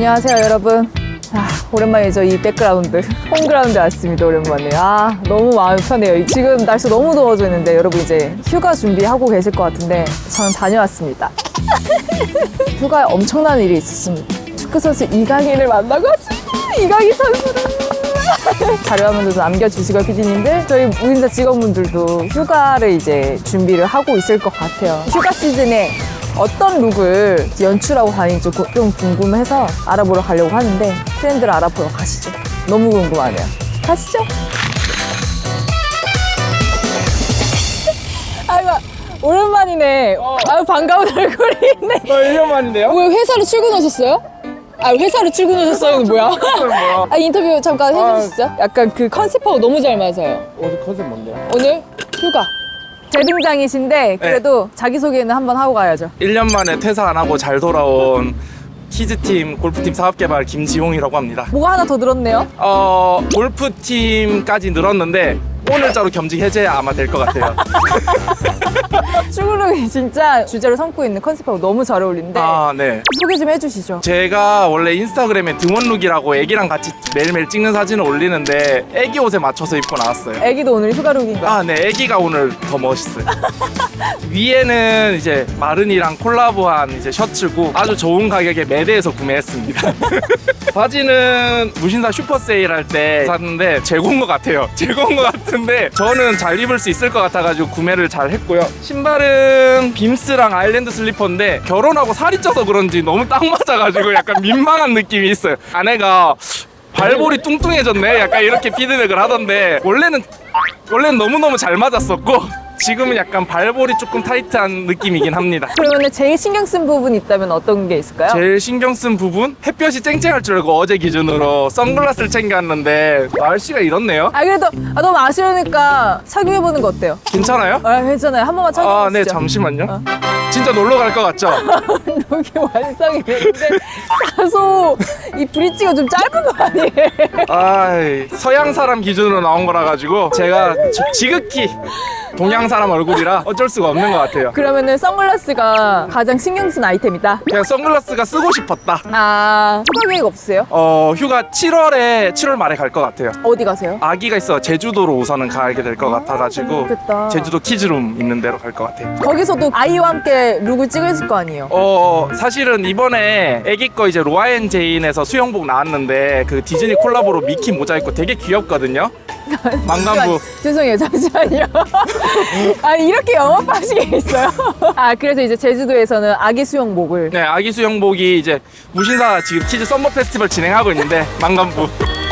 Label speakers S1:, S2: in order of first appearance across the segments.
S1: 안녕하세요 여러분. 오랜만이죠. 이 백그라운드 홈그라운드 왔습니다. 오랜만에. 너무 마음이 편해요. 지금 날씨 너무 더워져 있는데 여러분 이제 휴가 준비하고 계실 것 같은데 저는 다녀왔습니다. 휴가에 엄청난 일이 있었습니다. 축구선수 이강인을 만나고 왔습니다. 이강인 선수를 자료화면도 좀 남겨주시고 PD님들, 저희 무인사 직원분들도 휴가를 이제 준비를 하고 있을 것 같아요. 휴가 시즌에 어떤 룩을 연출하고 다니는지 좀 궁금해서 알아보러 가려고 하는데 트렌드를 알아보러 가시죠. 너무 궁금하네요. 가시죠. 아이고 오랜만이네. 반가운 얼굴이 있네.
S2: 1년 만인데요?
S1: 왜 회사로 출근하셨어요? 회사로 출근하셨어요? 뭐야? 인터뷰 잠깐 해주시죠. 약간 그 컨셉하고 너무 잘 맞아요.
S2: 오늘 컨셉 뭔데요?
S1: 오늘 휴가 재등장이신데 그래도 자기소개는 한번 하고 가야죠.
S2: 1년 만에 퇴사 안 하고 잘 돌아온 키즈팀 골프팀 사업개발 김지용이라고 합니다.
S1: 뭐가 하나 더 늘었네요.
S2: 골프팀까지 늘었는데 오늘자로 겸직 해제 아마 될 것 같아요.
S1: 출근룩이 진짜 주제를 삼고 있는 컨셉하고 너무 잘 어울리는데
S2: 네.
S1: 소개 좀 해주시죠.
S2: 제가 원래 인스타그램에 등원룩이라고 애기랑 같이 매일매일 찍는 사진을 올리는데 애기 옷에 맞춰서 입고 나왔어요.
S1: 애기도 오늘 휴가룩인가요?
S2: 네. 애기가 오늘 더 멋있어요. 위에는 이제 마른이랑 콜라보한 이제 셔츠고 아주 좋은 가격에 매대에서 구매했습니다. 바지는 무신사 슈퍼 세일할 때 샀는데 재고인 것 같아요. 재고인 것 같은데 저는 잘 입을 수 있을 것 같아가지고 구매를 잘 했고요. 신발은 빔스랑 아일랜드 슬리퍼인데 결혼하고 살이 쪄서 그런지 너무 딱 맞아가지고 약간 민망한 느낌이 있어요. 아내가 발볼이 뚱뚱해졌네 약간 이렇게 피드백을 하던데 원래는 너무너무 잘 맞았었고 지금은 약간 발볼이 조금 타이트한 느낌이긴 합니다.
S1: 그러면 제일 신경 쓴 부분 있다면 어떤 게 있을까요?
S2: 제일 신경 쓴 부분? 햇볕이 쨍쨍할 줄 알고 어제 기준으로 선글라스를 챙겨왔는데 날씨가 이렇네요.
S1: 그래도 너무 아쉬우니까 착용해보는 거 어때요?
S2: 괜찮아요?
S1: 괜찮아요. 한 번만 착용해보시죠.
S2: 네, 잠시만요. 진짜 놀러 갈 것 같죠?
S1: 룩이 완성이 됐는데 다소 이 브릿지가 좀 짧은 거 아니에요?
S2: 서양 사람 기준으로 나온 거라 가지고 제가 지극히 동양 사람 얼굴이라 어쩔 수가 없는 것 같아요.
S1: 그러면은 선글라스가 가장 신경 쓴 아이템이다?
S2: 그냥 선글라스가 쓰고 싶었다.
S1: 휴가 계획 없으세요?
S2: 휴가 7월 말에 갈 것 같아요.
S1: 어디 가세요?
S2: 아기가 있어 제주도로 우선은 가게 될 것 같아가지고
S1: 좋겠다.
S2: 제주도 키즈룸 있는 데로 갈 것 같아요.
S1: 거기서도 아이와 함께 룩을 찍으실 거 아니에요?
S2: 사실은 이번에 애기 거 이제 로아앤 제인에서 수영복 나왔는데 그 디즈니 콜라보로 미키 모자 입고 되게 귀엽거든요. 망간부.
S1: 죄송해요, 잠시만요. 이렇게 영업하시게 있어요? 그래서 이제 제주도에서는 아기 수영복을.
S2: 네, 아기 수영복이 이제 무신사 지금 키즈 썸머 페스티벌 진행하고 있는데 망간부.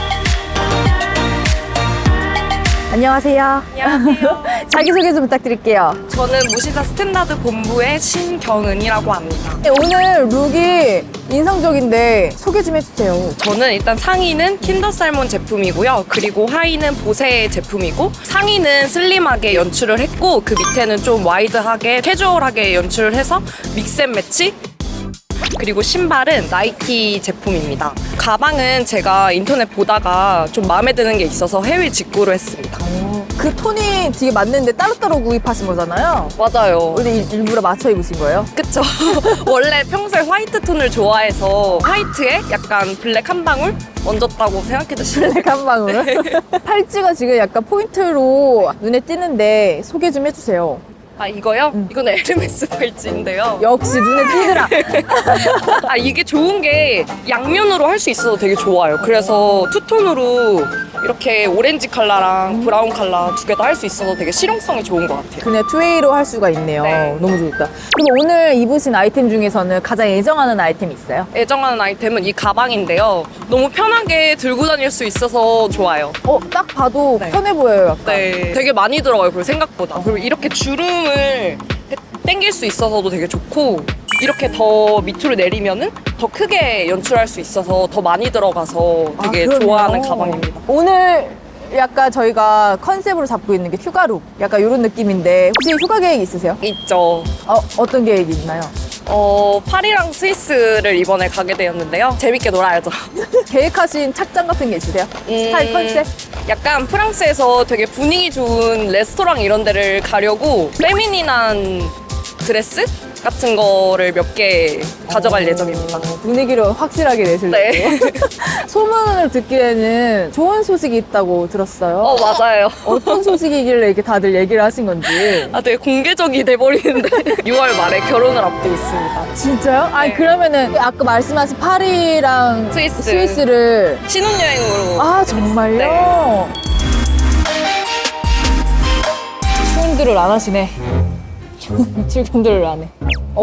S1: 안녕하세요.
S3: 안녕하세요.
S1: 자기소개 좀 부탁드릴게요.
S3: 저는 무신사 스탠다드 본부의 신경은이라고 합니다.
S1: 오늘 룩이 인상적인데 소개 좀 해주세요.
S3: 저는 일단 상의는 킨더살몬 제품이고요. 그리고 하의는 보세 제품이고 상의는 슬림하게 연출을 했고 그 밑에는 좀 와이드하게 캐주얼하게 연출을 해서 믹스앤매치. 그리고 신발은 나이키 제품입니다. 가방은 제가 인터넷 보다가 좀 마음에 드는 게 있어서 해외 직구를 했습니다.
S1: 그 톤이 되게 맞는데 따로따로 구입하신 거잖아요?
S3: 맞아요.
S1: 원래 일부러 맞춰 입으신 거예요?
S3: 그쵸. 원래 평소에 화이트 톤을 좋아해서 화이트에 약간 블랙 한 방울 얹었다고 생각해 주시면
S1: 블랙 한 방울을? 팔찌가 지금 약간 포인트로 눈에 띄는데 소개 좀 해주세요.
S3: 이거요? 이건 에르메스 팔찌인데요.
S1: 역시 눈에 띄더라.
S3: 이게 좋은 게 양면으로 할 수 있어서 되게 좋아요. 그래서 투톤으로 이렇게 오렌지 컬러랑 브라운 컬러 두 개 다 할 수 있어서 되게 실용성이 좋은 것 같아요.
S1: 그냥 투웨이로 할 수가 있네요.
S3: 네.
S1: 너무 좋다. 그리고 오늘 입으신 아이템 중에서는 가장 애정하는 아이템이 있어요?
S3: 애정하는 아이템은 이 가방인데요. 너무 편하게 들고 다닐 수 있어서 좋아요.
S1: 딱 봐도
S3: 네.
S1: 편해 보여요, 약간.
S3: 네, 되게 많이 들어가요. 그리고 생각보다. 그리고 이렇게 주름을 당길 수 있어서도 되게 좋고 이렇게 더 밑으로 내리면은 더 크게 연출할 수 있어서 더 많이 들어가서 되게
S1: 그러네요.
S3: 좋아하는 가방입니다.
S1: 오늘 약간 저희가 컨셉으로 잡고 있는 게 휴가룩. 약간 이런 느낌인데 혹시 휴가 계획 있으세요?
S3: 있죠.
S1: 어떤 계획이 있나요?
S3: 파리랑 스위스를 이번에 가게 되었는데요. 재밌게 놀아야죠.
S1: 계획하신 착장 같은 게 있으세요? 스타일 컨셉?
S3: 약간 프랑스에서 되게 분위기 좋은 레스토랑 이런 데를 가려고 페미닌한 드레스? 같은 거를 몇 개 가져갈 예정입니다.
S1: 분위기로 확실하게 내시려고.
S3: 네.
S1: 소문을 듣기에는 좋은 소식이 있다고 들었어요.
S3: 맞아요.
S1: 어떤 소식이길래 이렇게 다들 얘기를 하신 건지.
S3: 아, 되게 공개적이 돼버리는데 6월 말에 결혼을 앞두고 있습니다.
S1: 진짜요? 아니,
S3: 네.
S1: 그러면은 아까 말씀하신 파리랑
S3: 스위스.
S1: 스위스를.
S3: 신혼여행으로.
S1: 아, 정말요?
S3: 네.
S1: 출근들을 안 하시네. 출근들을 안 해.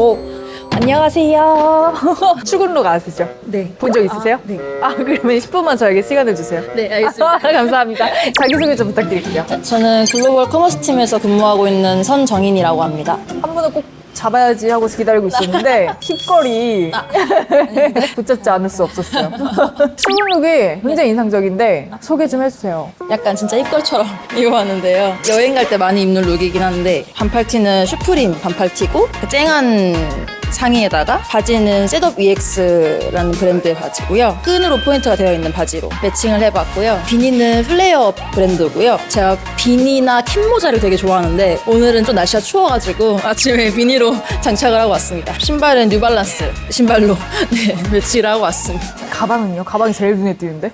S1: 안녕하세요. 출근로 가시죠?
S4: 네.
S1: 본 적 있으세요?
S4: 네.
S1: 그러면 10분만 저에게 시간을 주세요.
S4: 네, 알겠습니다.
S1: 감사합니다. 자기소개 좀 부탁드릴게요.
S4: 저는 글로벌 커머스 팀에서 근무하고 있는 선정인이라고 합니다.
S1: 한 분은 꼭 잡아야지 하고 기다리고 있었는데 힙걸이 붙잡지 않을 수 없었어요. 출근룩이 굉장히 인상적인데 소개 좀 해주세요.
S4: 약간 진짜 힙걸처럼 입어봤는데요. 여행 갈 때 많이 입는 룩이긴 한데 반팔티는 슈프림 반팔티고 쨍한 상의에다가 바지는 셋업 EX라는 브랜드의 바지고요. 끈으로 포인트가 되어 있는 바지로 매칭을 해봤고요. 비니는 플레어 브랜드고요. 제가 비니나 캡 모자를 되게 좋아하는데 오늘은 좀 날씨가 추워가지고 아침에 비니로 장착을 하고 왔습니다. 신발은 뉴발란스 신발로 네, 매치를 하고 왔습니다.
S1: 가방은요? 가방이 제일 눈에 띄는데?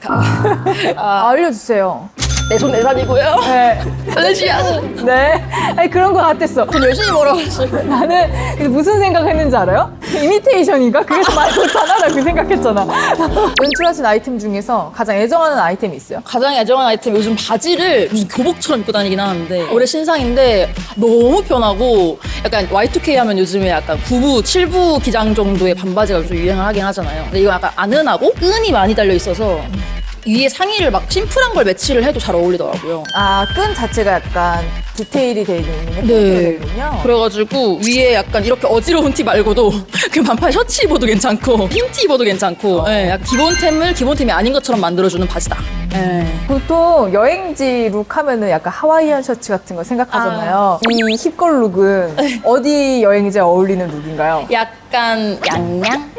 S1: 알려주세요.
S4: 내손내산이고요.
S1: 네.
S4: 발렌시아가
S1: 네. 아니, 그런 거 같았어.
S4: 열심히 벌어가지고
S1: 나는 무슨 생각했는지 알아요? 이미테이션인가? 그래서 말 못하나? 나 그 생각했잖아. 연출하신 아이템 중에서 가장 애정하는 아이템이 있어요?
S4: 가장 애정하는 아이템 요즘 바지를 무슨 교복처럼 입고 다니긴 하는데 올해 신상인데 너무 편하고 약간 Y2K 하면 요즘에 약간 9부, 7부 기장 정도의 반바지가 좀 유행을 하긴 하잖아요. 근데 이거 약간 아는하고 끈이 많이 달려 있어서 위에 상의를 막 심플한 걸 매치를 해도 잘 어울리더라고요.
S1: 끈 자체가 약간 디테일이 되어 있는
S4: 네.
S1: 거군요.
S4: 그래가지고 위에 약간 이렇게 어지러운 티 말고도 그냥 반팔 셔츠 입어도 괜찮고 흰 티 입어도 괜찮고 예, 약간 기본템이 아닌 것처럼 만들어주는 바지다. 예.
S1: 보통 여행지 룩 하면은 약간 하와이안 셔츠 같은 거 생각하잖아요. 이 힙걸 룩은 어디 여행지에 어울리는 룩인가요?
S4: 약간 양양?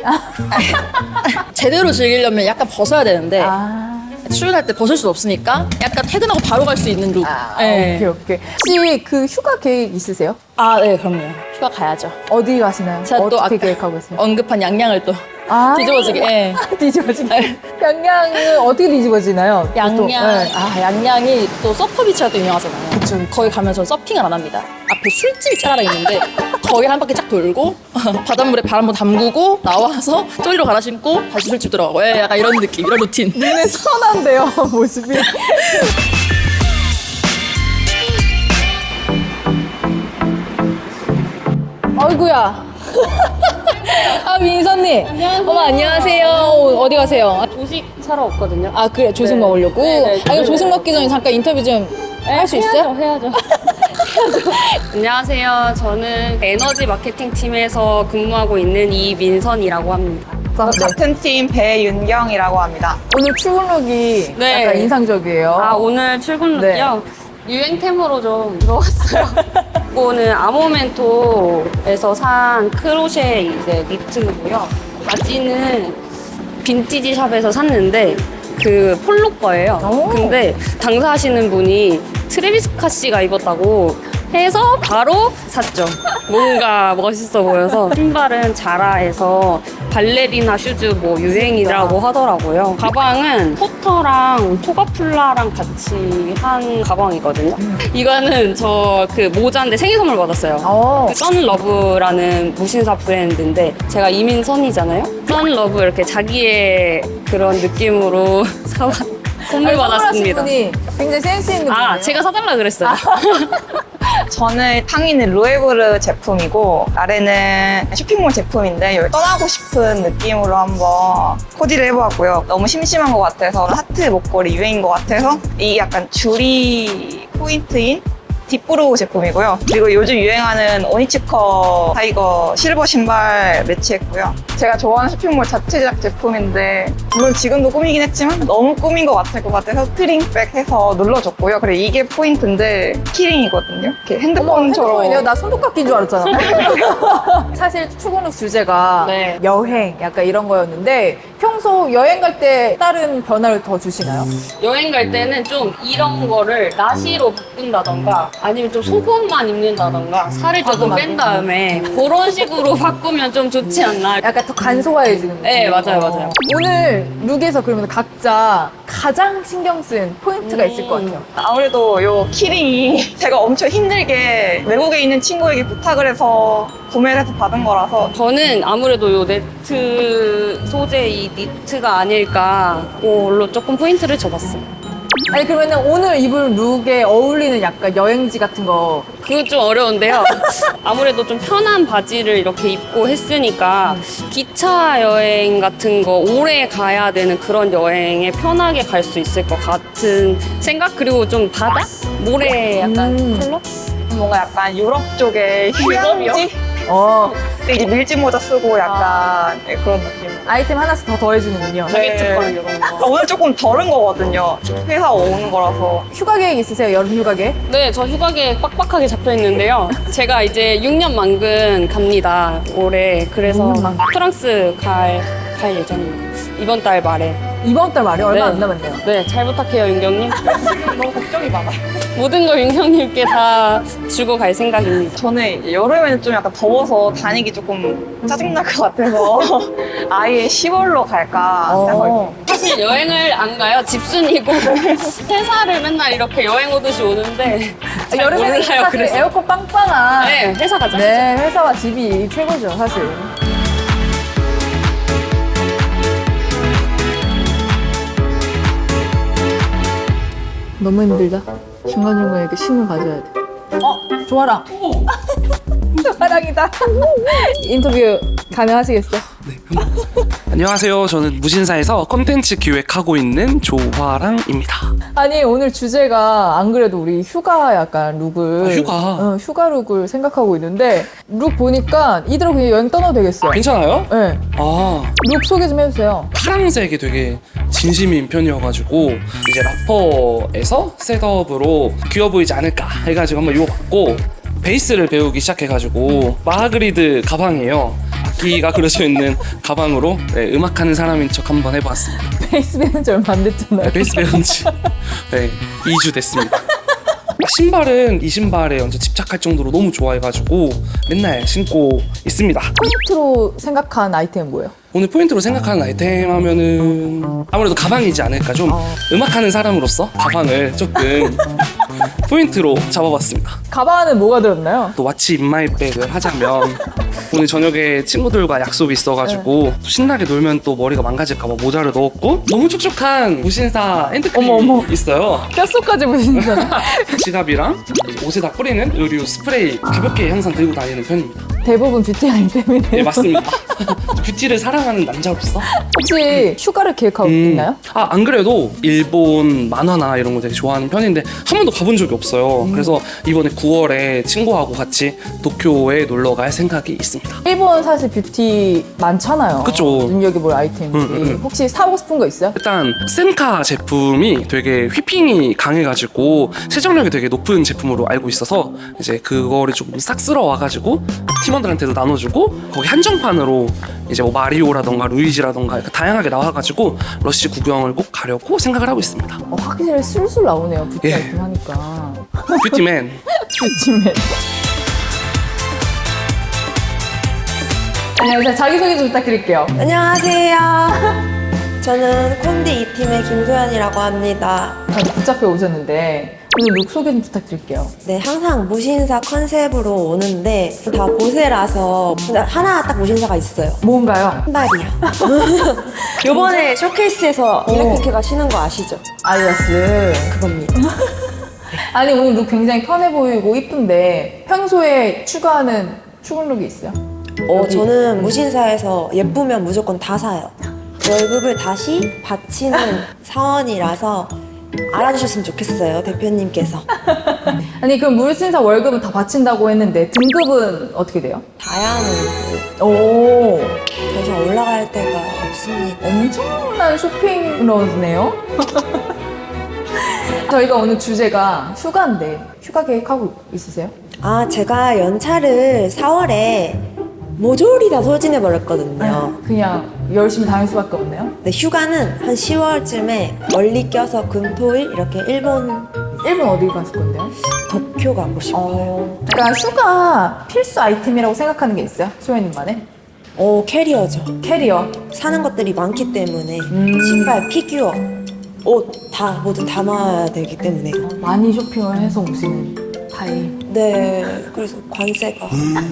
S4: 제대로 즐기려면 약간 벗어야 되는데 출근할 때 벗을 수 없으니까 약간 퇴근하고 바로 갈 수 있는 룩. 네.
S1: 오케이. 혹시 그 휴가 계획 있으세요?
S4: 네, 그럼요. 휴가 가야죠.
S1: 어디 가시나요?
S4: 제가 또
S1: 어떻게
S4: 아까
S1: 계획하고 계세요?
S4: 언급한 양양을 또 뒤집어지게. 예.
S1: 뒤집어지게. 양양은 어떻게 뒤집어지나요? 보통,
S4: 양양,
S1: 네.
S4: 양양이 또 서퍼비치가 또 유명하잖아요.
S1: 그쵸.
S4: 거기 가면 전 서핑을 안 합니다. 앞에 술집이 짜라라 있는데 거기 한 바퀴 쫙 돌고 바닷물에 발 한번 담그고 나와서 쪼리로 갈아 신고 다시 술집 들어가고 약간 이런 느낌, 이런 루틴.
S1: 눈에 선한데요, 모습이. 아이고야. 민선님. 어머, 안녕하세요. 어디 가세요?
S5: 조식 사러 왔거든요.
S1: 그래, 조식 먹으려고? 그럼 조식 먹기 전에 잠깐 인터뷰 좀 할 수 있어요?
S5: 해야죠. 안녕하세요. 저는 에너지 마케팅 팀에서 근무하고 있는 이민선이라고 합니다.
S6: 같은 팀 배윤경이라고 합니다.
S1: 오늘 출근룩이
S5: 네.
S1: 약간 인상적이에요.
S5: 오늘 출근룩이요. 유행템으로 좀 들어왔어요. 이거는 아모멘토에서 산 크로셰 이제 니트고요. 바지는 빈티지 샵에서 샀는데 그 폴로 거예요. 근데 장사하시는 분이 트래비스 스캇 씨가 입었다고 해서 바로 샀죠. 뭔가 멋있어 보여서. 신발은 자라에서 발레리나 슈즈 뭐 유행이라고 하더라고요. 가방은 포터랑 토가플라랑 같이 한 가방이거든요. 이거는 저 그 모자인데 생일 선물 받았어요. 그 썬러브라는 무신사 브랜드인데 제가 이민선이잖아요. 썬러브 이렇게 자기의 그런 느낌으로 선물 받았습니다.
S1: 분이 굉장히 센스 있는 분이에요.
S5: 제가 사달라 그랬어요.
S6: 저는 상의는 루에브르 제품이고 아래는 쇼핑몰 제품인데 여기 떠나고 싶은 느낌으로 한번 코디를 해보았고요. 너무 심심한 것 같아서 하트 목걸이 유행인 것 같아서 이 약간 줄이 포인트인 딥브로우 제품이고요. 그리고 요즘 유행하는 오니츠커 타이거 실버 신발 매치했고요. 제가 좋아하는 쇼핑몰 자체 제작 제품인데 물론 지금도 꾸미긴 했지만 너무 꾸민 것 같아서 스트링백 해서 눌러줬고요. 그리고 이게 포인트인데 키링이거든요. 이렇게 핸드폰처럼.
S1: 핸드폰이네요. 나 손톱깎이인 줄 알았잖아. 사실 추구룩 주제가
S3: 네.
S1: 여행 약간 이런 거였는데 평소 여행 갈 때 다른 변화를 더 주시나요?
S5: 여행 갈 때는 좀 이런 거를 나시로 바꾼다던가 아니면 좀 속옷만 입는다던가 살을 조금 뺀 다음에 그런 식으로 바꾸면 좀 좋지 않나.
S1: 약간 더 간소화해지는
S5: 네,
S1: 거죠.
S5: 맞아요, 맞아요.
S1: 오늘 룩에서 그러면 각자 가장 신경 쓴 포인트가 있을 것 같아요.
S6: 아무래도 요 키링이 제가 엄청 힘들게 외국에 있는 친구에게 부탁을 해서 구매를 해서 받은 거라서
S5: 저는 아무래도 요 네트 소재 이 니트가 아닐까 그걸로 조금 포인트를 줘봤어요.
S1: 아니 그러면 오늘 입을 룩에 어울리는 약간 여행지 같은 거
S5: 그거 좀 어려운데요. 아무래도 좀 편한 바지를 이렇게 입고 했으니까 기차 여행 같은 거 오래 가야 되는 그런 여행에 편하게 갈 수 있을 것 같은 생각? 그리고 좀 바다? 모래 약간 컬러?
S6: 뭔가 약간 유럽 쪽에
S5: 유럽이요?
S6: 휴양지?
S1: 어,
S6: 이제 밀짚 모자 쓰고 약간 네, 그런 느낌.
S1: 아이템 하나씩 더 더해주는군요.
S6: 네.
S5: 걸 이런 거.
S6: 오늘 조금 덜은 거거든요. 회사 오는 거라서.
S1: 휴가 계획 있으세요? 여름 휴가 계획?
S5: 네, 저 휴가 계획 빡빡하게 잡혀 있는데요. 제가 이제 6년 만근 갑니다. 올해. 그래서
S1: 6년 만근.
S5: 프랑스 갈 예정입니다. 이번 달 말에.
S1: 이번 달 말이 얼마
S5: 네.
S1: 안 남았네요.
S5: 네, 잘 부탁해요, 윤경님.
S6: 너무 걱정이 많아요.
S5: 모든 걸 윤경님께 다 주고 갈 생각입니다.
S6: 저는 이제 여름에는 좀 약간 더워서 다니기 조금 짜증날 것 같아서 아예 10월로 갈까 생각하고 있어요.
S5: 사실 여행을 안 가요. 집순이고 회사를 맨날 이렇게 여행 오듯이 오는데 잘
S1: 여름에는
S5: 몰라요.
S1: 사실
S5: 그래서
S1: 에어컨 빵빵한
S5: 네, 회사 가자.
S1: 네, 회사와 집이 최고죠, 사실. 너무 힘들다. 중간중간에 이렇게 쉼을 가져야 돼. 조아랑. 조아랑이다. 인터뷰 가능하시겠어요?
S2: 안녕하세요. 저는 무신사에서 컨텐츠 기획하고 있는 조화랑입니다.
S1: 아니, 오늘 주제가 안 그래도 우리 휴가 약간 룩을.
S2: 휴가?
S1: 휴가 룩을 생각하고 있는데, 룩 보니까 이대로 그냥 여행 떠나도 되겠어요.
S2: 괜찮아요?
S1: 네.
S2: 아,
S1: 룩 소개 좀 해주세요.
S2: 파랑색이 되게 진심인 편이어가지고 이제 래퍼에서 셋업으로 귀여워 보이지 않을까 해가지고 한번 입어봤고 베이스를 배우기 시작해가지고 마하그리드 가방이에요. 악기가 그려져 있는 가방으로 네, 음악하는 사람인 척 한번 해봤습니다.
S1: 베이스 배운 지 얼마 안 됐잖아요.
S2: 네, 베이스 배운 지 네, 2주 됐습니다. 신발은 이 신발에 완전 집착할 정도로 너무 좋아해가지고 맨날 신고 있습니다.
S1: 포인트로 생각한 아이템은 뭐예요?
S2: 오늘 포인트로 생각하는 아이템 하면은 아무래도 가방이지 않을까. 좀 음악하는 사람으로서 가방을 조금 포인트로 잡아봤습니다.
S1: 가방에는 뭐가 들었나요?
S2: 또 왓츠 인마이백을 하자면 오늘 저녁에 친구들과 약속이 있어가지고 신나게 놀면 또 머리가 망가질까봐 모자를 넣었고 너무 촉촉한 무신사 핸드크림이
S1: 어머.
S2: 있어요.
S1: 뼛속까지 보신잖아요.
S2: 지갑이랑 옷에다 뿌리는 의류 스프레이 가볍게 항상 들고 다니는 편입니다.
S1: 대부분 뷰티 아이템이네요.
S2: 네, 맞습니다. 뷰티를 사랑하는 남자로서
S1: 혹시 휴가를 계획하고 있나요?
S2: 안 그래도 일본 만화나 이런 거 되게 좋아하는 편인데 한 번도 가본 적이 없어요. 그래서 이번에 9월에 친구하고 같이 도쿄에 놀러 갈 생각이 있습니다.
S1: 일본 사실 뷰티 많잖아요.
S2: 그쵸.
S1: 눈여겨볼 아이템들이. 혹시 사고 싶은 거 있어요?
S2: 일단 센카 제품이 되게 휘핑이 강해가지고 세정력이 되게 높은 제품으로 알고 있어서 이제 그거를 좀 싹 쓸어 와가지고 팀원들한테도 나눠주고 거기 한정판으로 이제 뭐 마리오라던가 루이지라던가 이렇게 다양하게 나와가지고 러쉬 구경을 꼭 가려고 생각을 하고 있습니다.
S1: 확실히 술술 나오네요. 뷰티
S2: 예.
S1: 아이템 하니까.
S2: 뷰티맨.
S1: 뷰티맨. 안녕하세요. 자기소개 좀 부탁드릴게요.
S7: 안녕하세요. 저는 콘디 2팀의 김소연이라고 합니다.
S1: 저한테 붙잡혀 오셨는데 오늘 룩 소개 좀 부탁드릴게요.
S7: 네, 항상 무신사 컨셉으로 오는데 다 보세라서 근데 하나 딱 무신사가 있어요.
S1: 뭔가요?
S7: 신발이요. 요번에 쇼케이스에서 이렇게가 신은 거 아시죠?
S1: 아디다스.
S7: 그겁니다.
S1: 아니 오늘 룩 굉장히 편해 보이고 이쁜데 평소에 추구하는 출근룩이 있어요?
S7: 저는 무신사에서 예쁘면 무조건 다 사요. 월급을 다시 바치는 사원이라서 알아주셨으면 좋겠어요, 대표님께서.
S1: 아니 그럼 무신사 월급은 다 바친다고 했는데 등급은 어떻게 돼요?
S7: 다양한
S1: 오,
S7: 더 이상 올라갈 데가 없습니다.
S1: 엄청난 쇼핑러네요. 저희가 오늘 주제가 휴가인데 휴가 계획하고 있으세요?
S7: 아, 제가 연차를 4월에 모조리 다 소진해버렸거든요.
S1: 그냥 열심히 다닐 수밖에 없네요.
S7: 근데 휴가는 한 10월쯤에 멀리 껴서 금, 토, 일 이렇게 일본
S1: 일본 어디 가실 건데요?
S7: 도쿄 가고 싶어요.
S1: 그러니까 휴가 필수 아이템이라고 생각하는 게 있어요? 소연님만의?
S7: 캐리어죠.
S1: 캐리어.
S7: 사는 것들이 많기 때문에 신발, 피규어, 옷 다 뭐든 담아야 되기 때문에.
S1: 많이 쇼핑을 해서 오시는 타입.
S7: 네, 그래서 관세가.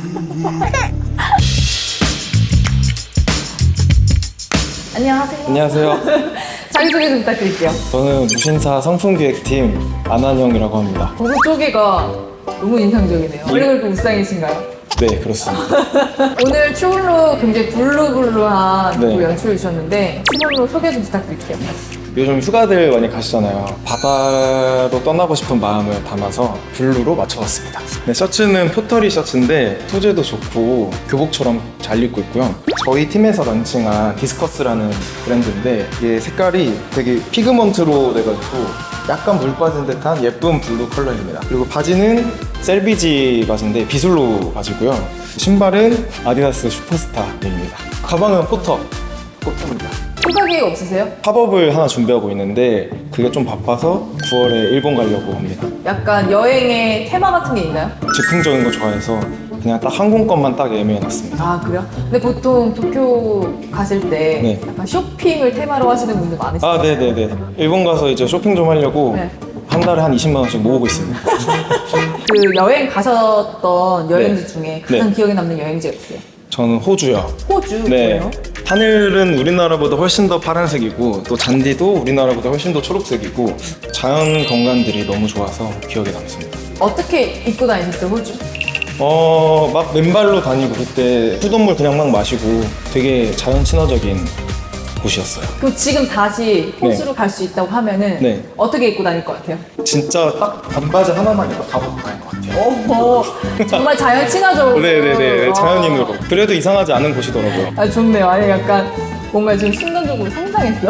S1: 안녕하세요.
S8: 안녕하세요.
S1: 자기소개 좀 부탁드릴게요.
S8: 저는 무신사 상품기획팀 안한영이라고 합니다.
S1: 거기 쪼개가 너무 인상적이네요. 원래 그렇게 우상이신가요?
S8: 네, 그렇습니다.
S1: 오늘 추울로 굉장히 블루블루한
S8: 네.
S1: 그 연출을 주셨는데 추울로 소개 좀 부탁드릴게요.
S8: 요즘 휴가들 많이 가시잖아요. 바다로 떠나고 싶은 마음을 담아서 블루로 맞춰봤습니다. 네, 셔츠는 포터리 셔츠인데 소재도 좋고 교복처럼 잘 입고 있고요. 저희 팀에서 런칭한 디스커스라는 브랜드인데 이게 색깔이 되게 피그먼트로 돼가지고 약간 물 빠진 듯한 예쁜 블루 컬러입니다. 그리고 바지는 셀비지 바지인데 비슬로 바지고요. 신발은 아디다스 슈퍼스타입니다. 가방은 포터입니다.
S1: 휴가 계획 없으세요?
S8: 팝업을 하나 준비하고 있는데 그게 좀 바빠서 9월에 일본 가려고 합니다.
S1: 약간 여행의 테마 같은 게 있나요?
S8: 즉흥적인 거 좋아해서 그냥 딱 항공권만 딱 예매해놨습니다.
S1: 아 그래요? 근데 보통 도쿄 가실 때
S8: 네.
S1: 약간 쇼핑을 테마로 하시는 분들 많으시죠?
S8: 아, 네네네. 일본 가서 이제 쇼핑 좀 하려고
S1: 네.
S8: 한 달에 한 20만 원씩 모으고 있습니다.
S1: 그 여행 가셨던 여행지
S8: 네.
S1: 중에 가장
S8: 네.
S1: 기억에 남는 여행지가 있어요?
S8: 저는 호주요.
S1: 호주?
S8: 네.
S1: 왜요?
S8: 하늘은 우리나라보다 훨씬 더 파란색이고 또 잔디도 우리나라보다 훨씬 더 초록색이고 자연 경관들이 너무 좋아서 기억에 남습니다.
S1: 어떻게 입고 다니셨어요, 호주?
S8: 막 맨발로 다니고 그때 수돗물 그냥 막 마시고 되게 자연 친화적인 곳이었어요.
S1: 그럼 지금 다시 호주로 갈 수 있다고 하면은
S8: 네.
S1: 어떻게 입고 다닐 것 같아요?
S8: 진짜 딱 반바지 하나만 입고 가보고 다닐 것 같아요.
S1: 오, 정말 자연 친화적으로.
S8: 네네네,
S1: 아.
S8: 자연인으로. 그래도 이상하지 않은 곳이더라고요.
S1: 아, 좋네요. 아니, 약간 뭔가 좀 순간적으로 상상했어.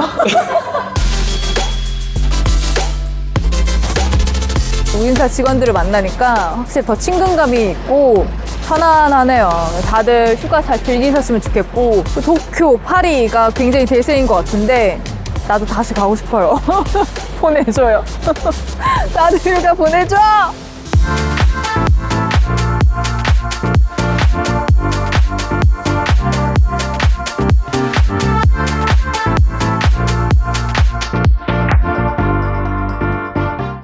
S1: 우인사 직원들을 만나니까 확실히 더 친근감이 있고 편안하네요. 다들 휴가 잘 즐기셨으면 좋겠고 도쿄, 파리가 굉장히 대세인 것 같은데 나도 다시 가고 싶어요. 보내줘요. 나도 휴가 보내줘!